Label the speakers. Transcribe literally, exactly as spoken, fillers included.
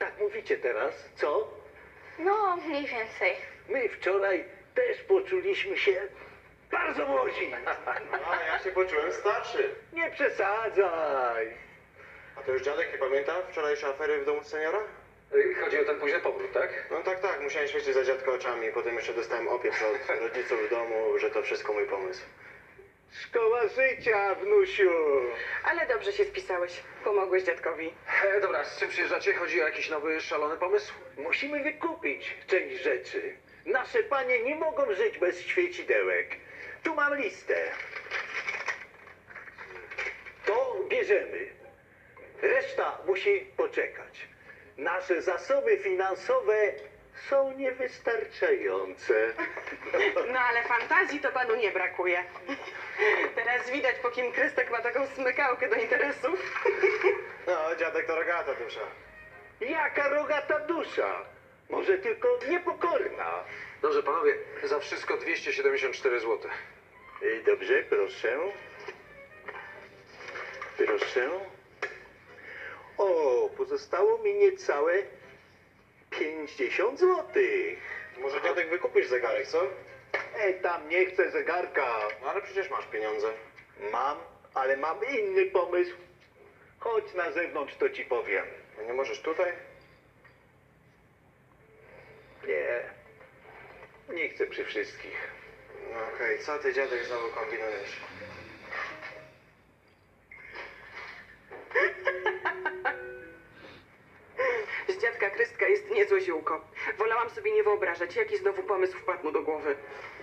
Speaker 1: Tak mówicie teraz, co?
Speaker 2: No, mniej więcej.
Speaker 1: My wczoraj też poczuliśmy się bardzo młodzi.
Speaker 3: A ja się poczułem starszy.
Speaker 1: Nie przesadzaj.
Speaker 3: A to już dziadek nie pamięta wczorajszej afery w domu seniora?
Speaker 4: Y, Chodzi o ten późny powrót, tak?
Speaker 3: No tak, tak, musiałem świecić za dziadka oczami. Potem jeszcze dostałem opiew od rodziców w domu, że to wszystko mój pomysł.
Speaker 1: Szkoła życia, wnusiu.
Speaker 5: Ale dobrze się spisałeś. Pomogłeś dziadkowi.
Speaker 4: E, dobra, z czym przyjeżdżacie? Chodzi o jakiś nowy, szalony pomysł?
Speaker 1: Musimy wykupić część rzeczy. Nasze panie nie mogą żyć bez świecidełek. Tu mam listę. To bierzemy. Reszta musi poczekać. Nasze zasoby finansowe są niewystarczające.
Speaker 5: No ale fantazji to panu nie brakuje. Teraz widać, po kim Krystek ma taką smykałkę do interesów.
Speaker 3: No, dziadek to rogata dusza.
Speaker 1: Jaka rogata dusza? Może tylko niepokorna.
Speaker 4: Dobrze, panowie, za wszystko dwieście siedemdziesiąt cztery złote.
Speaker 1: Y, Dobrze, proszę. Proszę. O, pozostało mi niecałe pięćdziesiąt złotych.
Speaker 3: Może dziadek wykupisz zegarek, co?
Speaker 1: E, tam nie chcę zegarka.
Speaker 3: No ale przecież masz pieniądze.
Speaker 1: Mam, ale mam inny pomysł. Chodź na zewnątrz, to ci powiem.
Speaker 3: A nie możesz tutaj?
Speaker 1: Nie, nie chcę przy wszystkich.
Speaker 3: No okej, co ty dziadek znowu kombinujesz?
Speaker 5: Z dziadka Krystka jest niezłe ziółko. Wolałam sobie nie wyobrażać, jaki znowu pomysł wpadł mu do głowy.